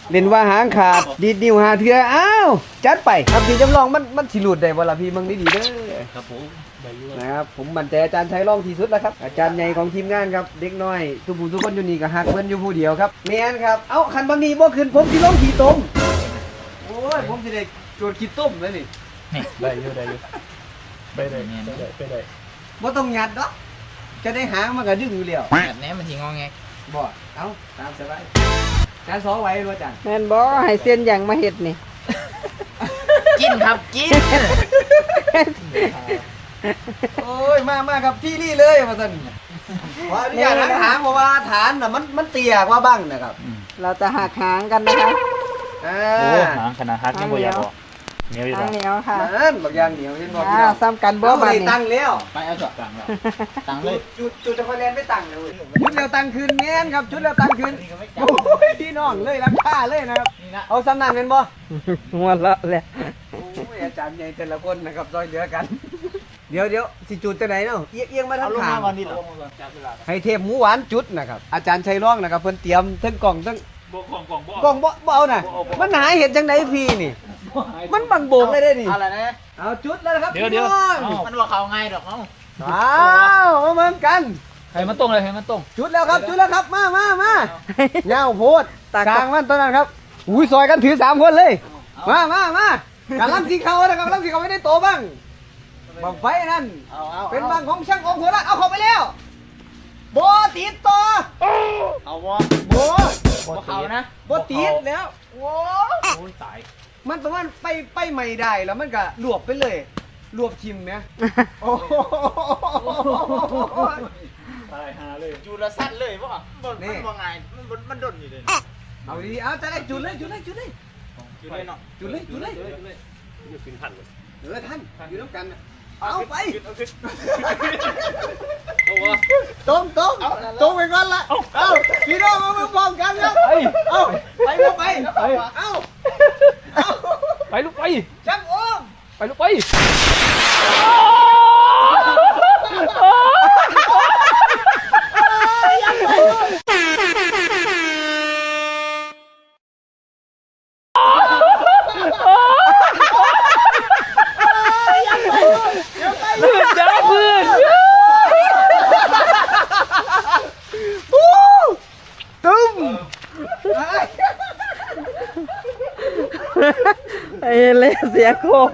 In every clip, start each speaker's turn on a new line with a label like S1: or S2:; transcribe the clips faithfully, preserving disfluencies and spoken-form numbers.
S1: เล่นว่าหางขาดดีดนิ้วหาเถื่ออ้าวจัดไปครับพี่จำลองมันมันสิหลุดได้บ่ล่ะพี่มึงดีๆเด้อ
S2: ครับผมได้อยู่
S1: นะครับผมมั่นใจอาจารย์ชัยรองที่สุดแล้วครับอาจารย์ใหญ่ของทีมงานครับเด็กน้อยทุกผู้ทุกคนอยู่นี่ก็ฮักเพิ่นอยู่ผู้เดียวครับแม่นครับเอ้าคันบางนี้บ่ขึ้นผมสิลงขี้ต้มโอ้ยผมสิได้โจทย์ขี้ต้มแล้วนี่
S2: ได้อยู่ได้อยู่ไปได้ไปได้ไปได้
S1: บ่ต้องยัดดอกจะได้หางมันก็ดึงอยู่แล้ว
S3: แบบนี้มันทีงอแง
S1: บ่เอ้าตามสบายการสอไว้บ่อาจารย์
S4: แม่นบ่ให้เส้นอย่างมาเฮ็ดนี่
S3: กินครับกิน
S1: โอ้ยมามาครับที่นี่เลยว่าซั่นขออนุญาตหางหางเพราะว่าฐานน่ะมันมันเตี้ยกว่าบ้างนะครับ
S4: เราจะหักหางกันนะคะ
S1: อ่า
S2: โอ้หางขนาดฮักยังบ่อยากบอกเหนียวอยู่
S4: หาง
S2: แล้ว
S4: เหนียวค่ะ
S1: นั่นบักอย่างเหนียวเห็นบ่พี่
S4: อ้า
S1: น้
S4: ว
S1: อง
S4: ซ้ำกันบ่
S1: เอา
S4: บัด
S1: ได้
S4: นี้
S1: ตั้งแล้ว
S3: ไปเอาสอบกลางแล้วตังเลย
S1: จุดจุดจะคอยแลนไปตั้งเลยชุดแล้วตั้งคืนแม่นครับชุดแล้วตั้งคืนโอ้ยพี่น้องเลยราคาเลยนะครับเอาสำนักเงินบ่
S4: หัวเราะแหละ
S1: โอ้ยอาจารย์ใหญ่แต่ละคนนะครับซอยเหลือกัน เดี๋ยวเดี๋ยวสิจุดจะไหนเนาะเอียงเอียงมาทางข้าง
S2: นี่เหรอจับเวลา
S1: ให้เทพหมูหวานจุดนะครับอาจารย์ชัยร้องนะครับเพิ่นเตรียมทั้งกล่องทั้ง
S2: บ่ของกล่องบ่
S1: กล่องบ่บ่เอาน่ะมันหาเห็ดจังไดพี่นี่ มันบังโบกเลยได้นี่
S3: อะไรนะ
S1: เอาจุดแล้วนะครับ
S2: เดี๋ยวเดี๋ยว
S1: พี่น้อง
S3: มันว่าเขาง่ายดอกเนาะ
S1: ว้าวมาเหมือนกัน
S2: ให้มันตรงเลยให้มันตรง
S1: จุดแล้วครับจุดแล้วครับมามามาเงาโพดสร้างมันตอนนั้นครับอุ้ยซอยกันถือสามคนเลยมามามาการลังสีเขานะครับลังสีเขาไม่ได้โตบ้างบังไฟนั่น
S3: เอาเอา
S1: เป็นบังของช่างองค์หัวละเอาเข้าไปแล้วโบติดต่อ
S3: เอาวะ
S1: โบ
S3: บ่เขานะ
S1: โบติดแล้วโอ้
S2: โอ้ยตาย
S1: มันประมาณไปไปไม่ได้แล้วมันก็รวบไปเลยรวบชิมไหมโอ้โห
S2: ตายหาเลย
S3: จูละสั้นเลยป่ะมันมันว่าไงมันมันดนอยู่เลย
S1: เอาดีๆเอาจะได้จุดเลยจุดเลยจุดเลย
S3: จูเลยเนาะ
S1: จุดเลยจุดเลย
S2: อยู่ขึ้นพันเลย
S1: เออท่านอยู่น้ำกันน่ะเอาไป
S2: เอาวะ
S1: ตรงตรงตรงไปก่อนละเอาพี่น้องมาพร้อมกันครับ
S2: เฮ้ย
S1: เอาไปลูกไปเอาเอา
S2: ไปลูกไป
S1: ช่างโอ้ม
S2: ไปลูกไป เพื่อนจ้าเพื่อน
S1: ตุ้ม
S4: ไอ้เล่เสียโคก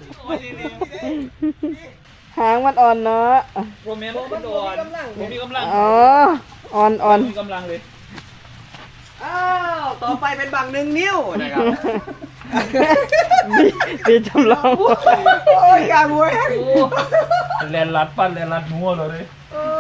S4: หางมันอ่อนเนาะ
S2: โรแมนมันอ่อนผมมีกำลัง
S4: อ๋ออ่อนอ่อน
S2: มีกำลังเลย
S1: อ้าวต่อไปเป็นบังหนึ่งนิ้วนะครับ
S4: ดีดีจำลอง
S1: โอ้ยกางวย
S2: แลนลัดปั้นแลนลัดนัวเลย
S1: โอ้